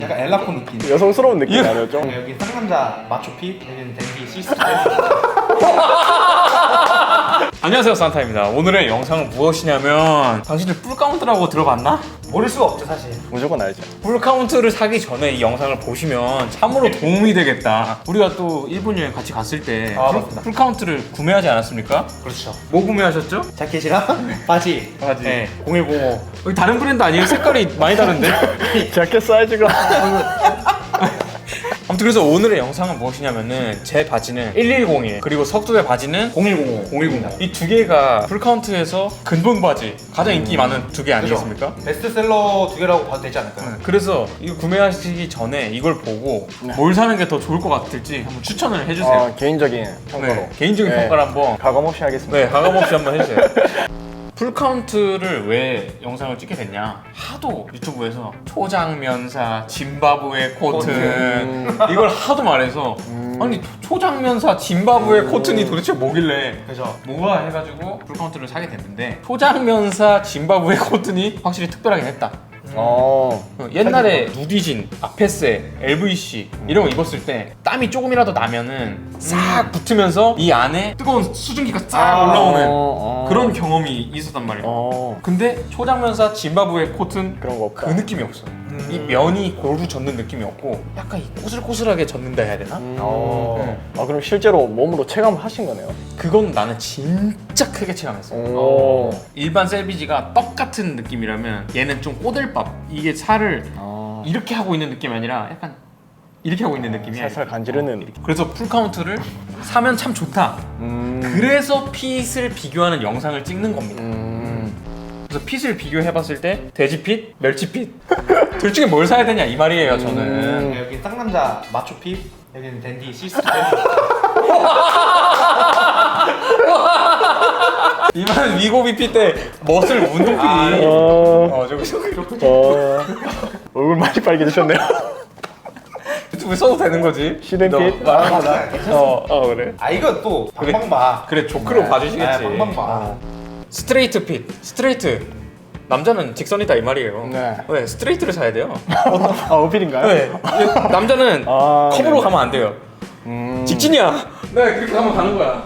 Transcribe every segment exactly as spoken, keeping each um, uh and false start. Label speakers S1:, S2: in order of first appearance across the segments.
S1: 약간 엘라코 느낌.
S2: 여성스러운 느낌이 아니었죠?
S1: 여기 쌍남자 마초핏, 여기는 댄디 시스템.
S3: 안녕하세요, 산타입니다. 오늘의 영상은 무엇이냐면 당신들 풀카운트라고 들어봤나?
S1: 모를 수가 없죠 사실.
S2: 무조건 알죠.
S3: 풀카운트를 사기 전에 이 영상을 보시면 참으로 도움이 되겠다. 우리가 또 일본 여행 같이 갔을 때
S1: 아,
S3: 풀,
S1: 맞습니다.
S3: 풀카운트를 구매하지 않았습니까?
S1: 그렇죠.
S3: 뭐 구매하셨죠?
S1: 자켓이랑 바지.
S3: 바지.
S1: 네. 공일공오.
S3: 여기 다른 브랜드 아니에요? 색깔이 많이 다른데?
S2: 자켓 사이즈가
S3: 아무튼 그래서 오늘의 영상은 무엇이냐면은 제 바지는 일일공일 그리고 석두의 바지는
S1: 공일공오.
S3: 공일공오 이 두 개가 풀카운트에서 근본 바지 가장 인기 많은 두 개 아니겠습니까?
S1: 베스트셀러 두 개라고 봐도 되지 않을까요?
S3: 그래서 이거 구매하시기 전에 이걸 보고
S2: 네.
S3: 뭘 사는 게 더 좋을 것 같을지 한번 추천을 해주세요.
S2: 어, 개인적인 평가로
S3: 네, 개인적인
S2: 네.
S3: 평가를 한번
S2: 가감 없이 하겠습니다.
S3: 네, 가감없이 한번 해주세요. 풀카운트를 왜 영상을 찍게 됐냐? 하도 유튜브에서 초장면사, 짐바브웨 코튼
S2: 음.
S3: 이걸 하도 말해서 아니 초장면사, 짐바브웨 코튼이 도대체 뭐길래
S1: 그죠.
S3: 뭐가 해가지고 풀카운트를 사게 됐는데 초장면사, 짐바브웨 코튼이 확실히 특별하긴 했다.
S2: 어.
S3: 그 옛날에 누디진, 아페세, 엘브이씨 이런 거 입었을 때 땀이 조금이라도 나면은 싹 붙으면서 이 안에 뜨거운 수증기가 싹
S1: 아,
S3: 올라오는
S2: 어, 어.
S3: 그런 경험이 있었단 말이에요.
S2: 어.
S3: 근데 초장면사 짐바브웨 코튼
S2: 그런 거 없다.
S3: 그 느낌이 없어. 이 면이 고루 젖는 느낌이 없고 약간 이 꼬슬꼬슬하게 젖는다 해야 되나?
S2: 음.
S3: 어.
S2: 아 그럼 실제로 몸으로 체감을 하신 거네요.
S3: 그건 나는 진짜 크게 체감했어.
S2: 오.
S3: 일반 셀비지가 떡 같은 느낌이라면 얘는 좀 꼬들밥. 이게 살을
S2: 아.
S3: 이렇게 하고 있는 느낌이 아니라 약간 이렇게 하고 있는 느낌이야.
S2: 살살 간지르는.
S3: 그래서 풀카운트를 사면 참 좋다.
S2: 음.
S3: 그래서 핏을 비교하는 영상을 찍는 겁니다.
S2: 음.
S3: 그래서 핏을 비교해봤을 때 돼지핏, 멸치핏 둘 중에 뭘 사야 되냐 이 말이에요. 저는
S2: 음.
S1: 여기 쌍남자 마초핏, 여기는 댄디 시스템.
S3: 이만 위고비 핏 때 멋을 운동핏.
S1: 아,
S2: 어.
S3: 어 저기 저기 저기
S2: 어. 얼굴 많이 빨개지셨네요.
S3: 유튜브에 써도 되는 거지?
S2: 시den핏.
S3: 너-
S1: 아, 맞아.
S3: 어, 어 그래.
S1: 아 이거 또 방방봐.
S3: 그래 조크로 봐주시겠지.
S1: 네, 방방봐.
S3: 스트레이트 핏, 스트레이트. 남자는 직선이다 이 말이에요.
S2: 네.
S3: 네, 스트레이트를 사야 돼요.
S2: 아 어필인가요?
S3: 네. 남자는
S2: 아,
S3: 컵으로
S2: 네.
S3: 가면 안 돼요.
S2: 음.
S3: 직진이야. 네, 그렇게 하면 가는 거야.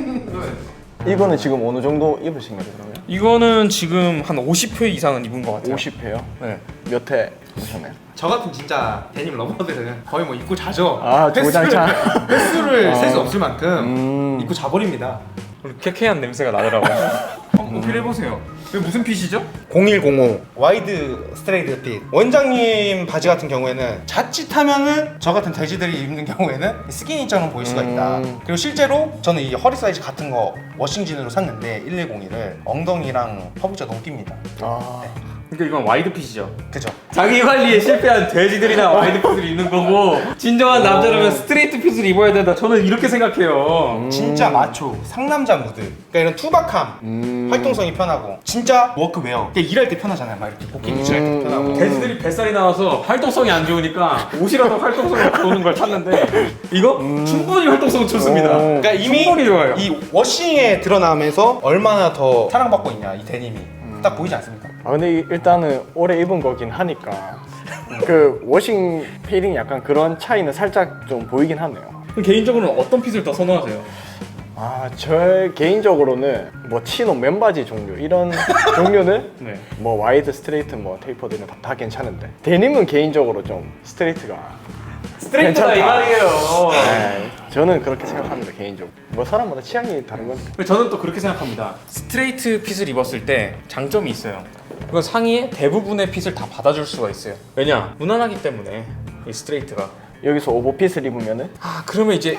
S2: 이거는 지금 어느 정도 입으신 거죠 그러면?
S3: 이거는 지금 한 오십 회 이상은 입은 것 같아요.
S2: 오십 회요?
S3: 네.
S2: 몇 회 입으셨나요?
S1: 저 같은 진짜 데님 러버들은 거의 뭐 입고 자죠.
S2: 아, 조장창.
S1: 횟수를 셀 수
S2: 어.
S1: 없을 만큼
S2: 음.
S1: 입고 자버립니다.
S3: 그리고 쾌쾌한 냄새가 나더라고요. 한번 어필해보세요. 이게 무슨 핏이죠?
S1: 공일공오 와이드 스트레이트 핏. 원장님 바지 같은 경우에는 자칫하면은 저 같은 돼지들이 입는 경우에는 스키니처럼 보일 수가 있다.
S2: 음.
S1: 그리고 실제로 저는 이 허리 사이즈 같은 거 워싱진으로 샀는데 일일공일을 엉덩이랑 허벅지가 너무 낍니다.
S2: 아.
S3: 그러니까 이건 와이드 핏이죠.
S1: 그죠?
S3: 자기 관리에 실패한 돼지들이나 와이드 핏을 입는 거고 진정한 남자라면 스트레이트 핏을 입어야 된다. 저는 이렇게 생각해요.
S1: 진짜 마초 상남자 무드. 그러니까 이런 투박함,
S2: 음.
S1: 활동성이 편하고 진짜 워크웨어. 그러니까 일할 때 편하잖아요. 막 이렇게 복귀 일할 때 편하고.
S2: 음.
S3: 돼지들이 뱃살이 나와서 활동성이 안 좋으니까 옷이라도 활동성이 좋은 걸 찾는데 이거 충분히 활동성 좋습니다.
S2: 오.
S1: 그러니까 이미
S3: 충분히 좋아요.
S1: 이 워싱에 드러나면서 얼마나 더 사랑받고 있냐 이 데님이 딱 보이지 않습니까?
S2: 아 근데 이- 일단은 오래 입은 거긴 하니까 그 워싱 필링 약간 그런 차이는 살짝 좀 보이긴 하네요.
S3: 개인적으로는 어떤 핏을 더 선호하세요?
S2: 아, 저 개인적으로는 뭐 치노 맨바지 종류 이런 종류는
S3: 네.
S2: 뭐 와이드 스트레이트 뭐 테이퍼드는 다, 다 괜찮은데 데님은 개인적으로 좀 스트레이트가
S3: 스트레이트다 이
S2: 괜찮다.
S3: 말이에요.
S2: 네, 저는 그렇게 생각합니다 개인적으로. 뭐 사람마다 취향이 다른 거니까.
S3: 저는 또 그렇게 생각합니다. 스트레이트 핏을 입었을 때 장점이 있어요. 그건 상의에 대부분의 핏을 다 받아줄 수가 있어요. 왜냐? 무난하기 때문에 이 스트레이트가.
S2: 여기서 오버핏을 입으면은
S3: 아 그러면 이제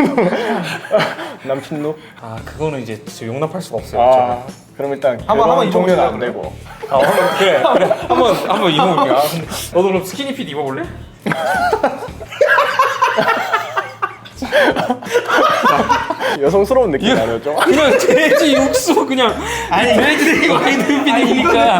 S2: 남친룩.
S3: 아 그거는 이제 진짜 용납할 수가 없어요.
S2: 아
S3: 저는.
S2: 그럼 일단
S1: 한번- 한번
S2: 그런 종류는
S1: 입어보실래요,
S2: 안 되고.
S3: 아, 한번 그래 그래 한번 한번 입어볼게. 아, 근데 너도 그럼 스키니 핏 입어볼래?
S2: 여성스러운 느낌이 아니었죠?
S3: 그냥 돼지 육수 그냥 아니 돼지 와이드 핏이니까.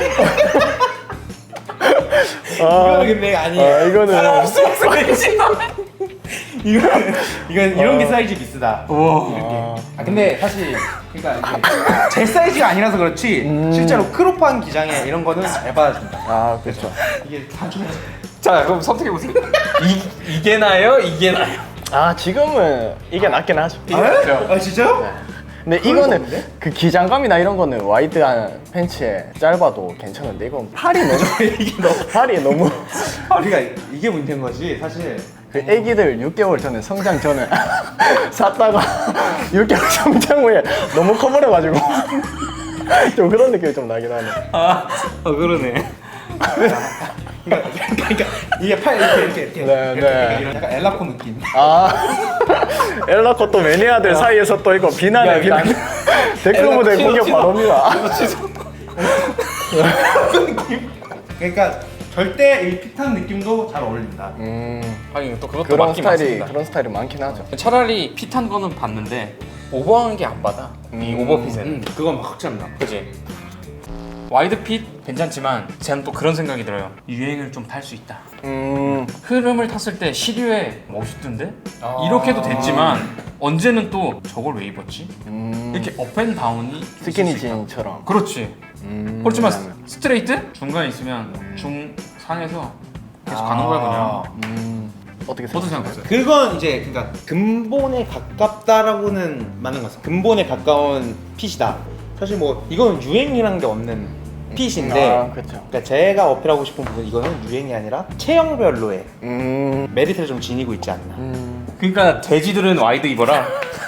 S2: 아,
S1: 이거는 근데 아니에요.
S2: 아 이거는
S3: 없으면서 돼지.
S1: 이건 이건 이런 게 사이즈 비싸다.
S3: 와.
S1: 아 근데 사실 그러니까 이제 제 사이즈가 아니라서 그렇지 실제로 크롭한 기장에 이런 거는 잘 받아준다.
S2: 아 그렇죠.
S1: 이게 단순해.
S3: 자 그럼 선택해 보세요. 이 이게 나요? 이게 나요?
S2: 아 지금은 이게 낫긴 하죠.
S1: 아, 아 진짜요?
S2: 근데
S1: 그럴 수
S2: 이거는
S1: 없는데?
S2: 그 기장감이나 이런 거는 와이드한 팬츠에 짧아도 괜찮은데 이건 팔이 너무
S1: 이게 너무
S2: 팔이 너무
S1: 아, 그러니까 이게 문제인 거지 사실.
S2: 그 애기들 육 개월 전에 성장 전에 샀다가 육 개월 성장 후에 너무 커버려가지고 좀 그런 느낌이 좀 나긴 하네.
S3: 아, 어 그러네.
S1: 그러니까, 그러니까 이게 팔 이렇게 이렇게 이렇게,
S2: 네,
S1: 이렇게,
S2: 네.
S1: 이렇게 이런 약간 엘라코 느낌.
S2: 아 엘라코 또 매니아들 사이에서 또 이거 비난해
S3: 야,
S2: 비난
S3: 나-
S2: 댓글
S3: 엘라코
S2: 무대
S3: 치워,
S2: 공격
S3: 치워.
S2: 바로입니다.
S1: 그러니까 절대 이 핏한 느낌도 잘 어울린다.
S2: 음
S3: 하긴 또 그것도
S2: 그런
S3: 맞긴
S2: 스타일이
S3: 맞습니다.
S2: 그런 스타일이 많긴 하죠.
S3: 차라리 핏한 거는 봤는데 오버한 게 안 받아. 이 오버핏은.
S1: 음, 그건 확실합니다.
S3: 그지? 와이드 핏 괜찮지만 저는 또 그런 생각이 들어요. 유행을 좀 탈 수 있다.
S2: 음
S3: 흐름을 탔을 때 시류에 멋있던데?
S1: 아.
S3: 이렇게도 됐지만 언제는 또 저걸 왜 입었지?
S2: 음,
S3: 이렇게 업앤다운이
S2: 스키니진처럼.
S3: 그렇지.
S2: 음,
S3: 그렇지만
S2: 그다음에.
S3: 스트레이트? 중간에 있으면 중상에서 계속
S1: 아.
S3: 가는 거야 그냥.
S2: 음 어떻게
S3: 어떻게
S2: 생각하세요?
S3: 생각하세요?
S1: 그건 이제 그러니까 근본에 가깝다라고는 맞는 것 같아요. 근본에 가까운 핏이다. 사실 뭐 이건 유행이라는 게 없는 핏인데
S2: 아 그렇죠.
S1: 그러니까 제가 어필하고 싶은 부분 이거는 유행이 아니라 체형별로의
S2: 음,
S1: 메리트를 좀 지니고 있지 않나.
S2: 음
S3: 그러니까 돼지들은 와이드 입어라.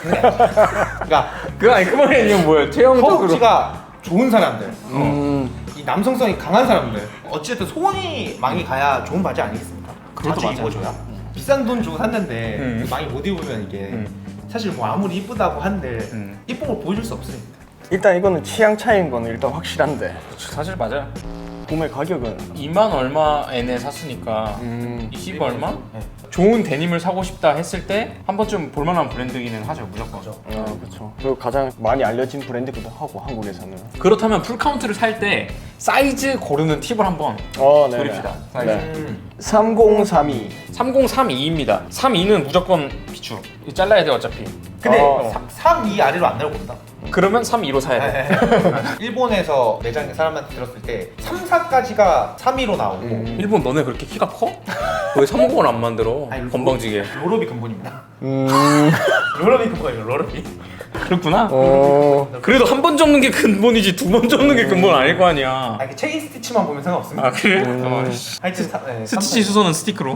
S1: 그러니까
S3: 그 아니 그 말이 아니면 뭐예요? 체형적으로.
S1: 허벅지가 좋은 사람들,
S2: 음,
S1: 이 남성성이 강한 사람들, 어쨌든 소원이 많이 가야 좋은 바지 아니겠습니까?
S3: 그것도
S1: 자주
S3: 맞아요.
S1: 입어줘야. 비싼 돈 주고 샀는데
S3: 음.
S1: 많이 못 입으면 이게
S3: 음.
S1: 사실 뭐 아무리 이쁘다고 한들
S3: 음.
S1: 이쁜 걸 보여줄 수 없으니까.
S2: 일단 이거는 취향 차이인 거는 일단 확실한데
S3: 사실 맞아요.
S2: 구매 가격은
S3: 이만 얼마에 샀으니까
S2: 음,
S3: 이십 얼마? 네. 좋은 데님을 사고 싶다 했을 때 한 번쯤 볼만한 브랜드기는 하죠 무조건.
S2: 아 그렇죠. 그리고 가장 많이 알려진 브랜드기도 하고 한국에서는.
S3: 그렇다면 풀카운트를 살 때 사이즈 고르는 팁을 한번
S2: 어, 네.
S3: 드립시다.
S2: 네.
S1: 음.
S2: 삼공삼이.
S3: 삼공삼이입니다. 삼십이는 무조건 비추. 이거 잘라야 돼 어차피.
S1: 근데
S2: 어.
S1: 삼, 이 아래로 안 내려본다.
S3: 그러면 삼십이로 사야 돼.
S1: 일본에서 매장 사람한테 들었을 때 삼, 사까지가 삼, 이로 나오고
S2: 음.
S3: 일본 너네 그렇게 키가 커? 왜 삼공을 안 만들어?
S1: 아니,
S3: 건방지게.
S1: 롤업이 근본입니다.
S2: 음,
S1: 롤업이 근본이에요. 롤업이.
S3: 그렇구나.
S2: 어,
S3: 그래도 한 번 접는 게 근본이지 두 번 접는 게 근본 아닐 거 아니야.
S1: 아, 이게 체인 스티치만 보면 상관없습니다.
S3: 아 그래?
S2: 음.
S3: 어,
S1: 하여튼 사, 네,
S3: 스티치 수소는 스티커로.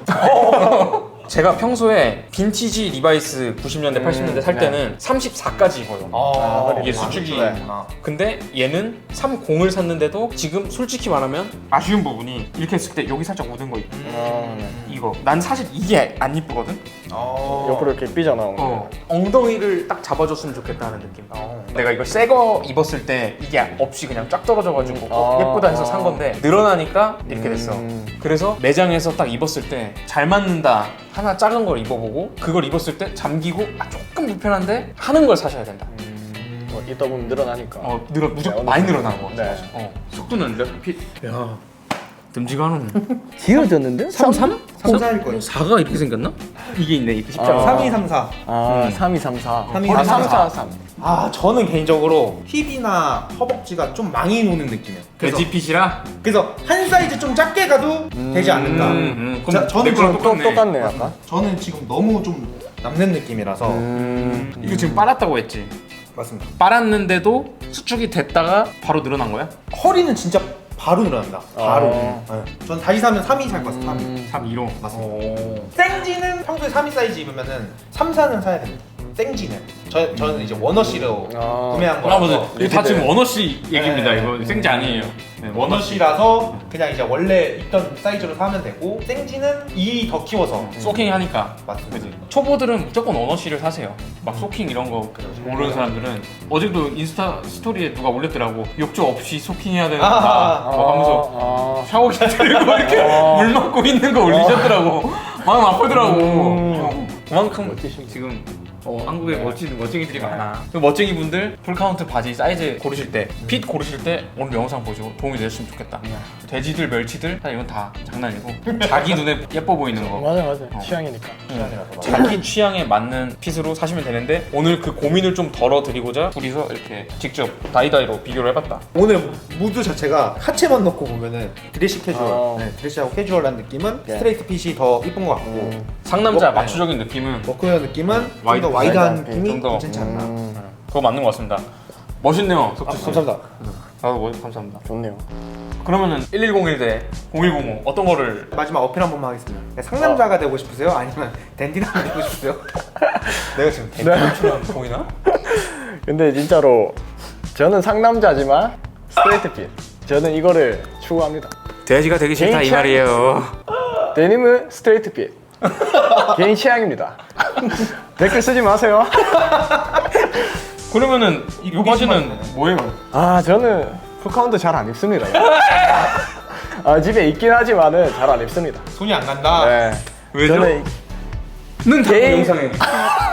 S3: 제가 평소에 빈티지 리바이스 구십 년대,
S2: 음,
S3: 팔십 년대 살
S2: 네.
S3: 때는 삼십사까지 입어요.
S1: 아,
S3: 이게 수축이.
S1: 아,
S3: 근데 얘는 삼십을 샀는데도 지금 솔직히 말하면 아쉬운 부분이 이렇게 했을 때 여기 살짝 묻은 거 있고
S2: 어, 네.
S3: 이거 난 사실 이게 안 이쁘거든?
S1: 어.
S2: 옆으로 이렇게 삐져나온 거.
S3: 어. 엉덩이를 딱 잡아줬으면 좋겠다는 느낌.
S1: 어.
S3: 내가 이거 새 거 입었을 때 이게 없이 그냥 쫙 떨어져가지고 어,
S2: 아,
S3: 예쁘다 해서
S2: 아.
S3: 산 건데 늘어나니까 이렇게 됐어.
S2: 음.
S3: 그래서 매장에서 딱 입었을 때 잘 맞는다 하나 작은 걸 입어보고 그걸 입었을 때 잠기고 아 조금 불편한데 하는 걸 사셔야 된다.
S2: 음, 뭐 이따 보면 늘어나니까.
S3: 어 늘어 무조건
S2: 네,
S3: 많이
S2: 어느
S3: 늘어나는 거 같아.
S2: 네.
S3: 어 속도는 몇 피? 야 듬지가 하는.
S2: 지어졌는데?
S3: 삼삼?
S1: 삼, 사일 거예요.
S3: 사가 이렇게 생겼나? 이게 있네 이렇게 십자가.
S2: 아.
S1: 삼, 이, 삼, 사.
S2: 아,
S3: 음.
S2: 삼이삼사.
S1: 삼이,
S2: 아,
S1: 삼사.
S2: 삼사삼.
S1: 아, 저는 개인적으로 힙이나 허벅지가 좀 많이 노는 느낌이에요. 그래서,
S3: 돼지핏이라?
S1: 그래서 한 사이즈 좀 작게 가도 되지 않을까.
S3: 음,
S1: 자, 저는
S3: 내 거랑
S1: 좀
S2: 또 똑같네 약간.
S1: 저는 지금 너무 좀 남는 느낌이라서
S2: 음.
S3: 이거 지금 빨았다고 했지?
S1: 맞습니다.
S3: 빨았는데도 수축이 됐다가 바로 늘어난 거야?
S1: 허리는 진짜 바로 늘어납니다. 바로.
S2: 아.
S1: 네. 전 다시 사면 삼, 이 살 것 같아요. 삼, 이.
S2: 음.
S3: 삼십이로
S1: 맞습니다. 생지는 평소에 삼, 이 사이즈 입으면은 삼, 사는 사야 됩니다. 생지는. 저, 저는 이제 원어시로
S2: 아.
S1: 구매한
S3: 아
S1: 거라서
S3: 맞아 이거 다 지금 원어씨 얘기입니다.
S1: 네.
S3: 이거 생지 아니에요. 네, 원어씨
S1: 원어시라서 그냥 이제 원래 입던 사이즈로 사면 되고 생지는 이 더 키워서
S3: 소킹 하니까.
S1: 맞습니다.
S3: 그지? 초보들은 무조건 원어씨를 사세요. 막 소킹 이런 거 모르는 사람들은 어제도 인스타 스토리에 누가 올렸더라고. 욕조 없이 소킹해야 된다.
S1: 아,
S3: 막 하면서
S2: 아,
S3: 샤워기 들고 이렇게
S2: 아.
S3: 물 맞고 있는 거 올리셨더라고. 마음 아프더라고.
S2: 음.
S3: 어, 그만큼
S2: 멋지십니다.
S3: 지금 어, 한국에
S2: 네.
S3: 멋진 멋쟁이들이 많아. 그 멋쟁이 분들 풀카운트 바지 사이즈 고르실 때, 핏 고르실 때 오늘 영상 보시고 도움이 되셨으면 좋겠다. 돼지들, 멸치들 사실 이건 다 장난이고 자기 눈에 예뻐 보이는 거.
S2: 맞아 맞아.
S3: 어.
S2: 취향이니까. 취향이라서.
S3: 자기 취향에 맞는 핏으로 사시면 되는데 오늘 그 고민을 좀 덜어드리고자 둘이서 이렇게 직접 다이다이로 비교를 해봤다.
S1: 오늘 무드 자체가 하체만 넣고 보면은 드레시 캐주얼,
S2: 어.
S1: 네, 드레시하고 캐주얼한 느낌은
S2: 네.
S1: 스트레이트 핏이 더 이쁜 것 같고
S2: 음.
S3: 상남자
S1: 뭐,
S3: 맞추적인 느낌은
S1: 워크웨어 느낌은 좀
S3: 와이드,
S1: 더 와이드한
S2: 와이드한
S1: 느낌이
S3: 좀 더.
S1: 괜찮지 않나.
S2: 음,
S3: 그거 맞는 것 같습니다. 멋있네요,
S1: 아,
S3: 석주 씨.
S1: 감사합니다.
S3: 나도 멋 감사합니다.
S2: 좋네요.
S3: 그러면은 일일공일 대 공일공오 어떤 거를
S1: 마지막 어필 한 번만 하겠습니다. 상남자가 되고 싶으세요? 아니면 댄디남이 되고 싶으세요? 내가 지금
S3: 대표처럼 보이나?
S2: 근데 진짜로 저는 상남자지만 스트레이트 핏. 저는 이거를 추구합니다.
S3: 돼지가 되기
S2: 싫다, 이 말이에요. 데님은 스트레이트 핏. 개인 취향입니다. 댓글 쓰지 마세요.
S3: 그러면은 이 바지는 뭐예요?
S2: 아 저는 풀카운트 잘 안 입습니다. 아 집에 있긴 하지만은 잘 안 입습니다.
S1: 손이 안 간다.
S2: 네.
S3: 왜죠?
S2: 저는
S3: 는
S2: 개인-
S3: 영상에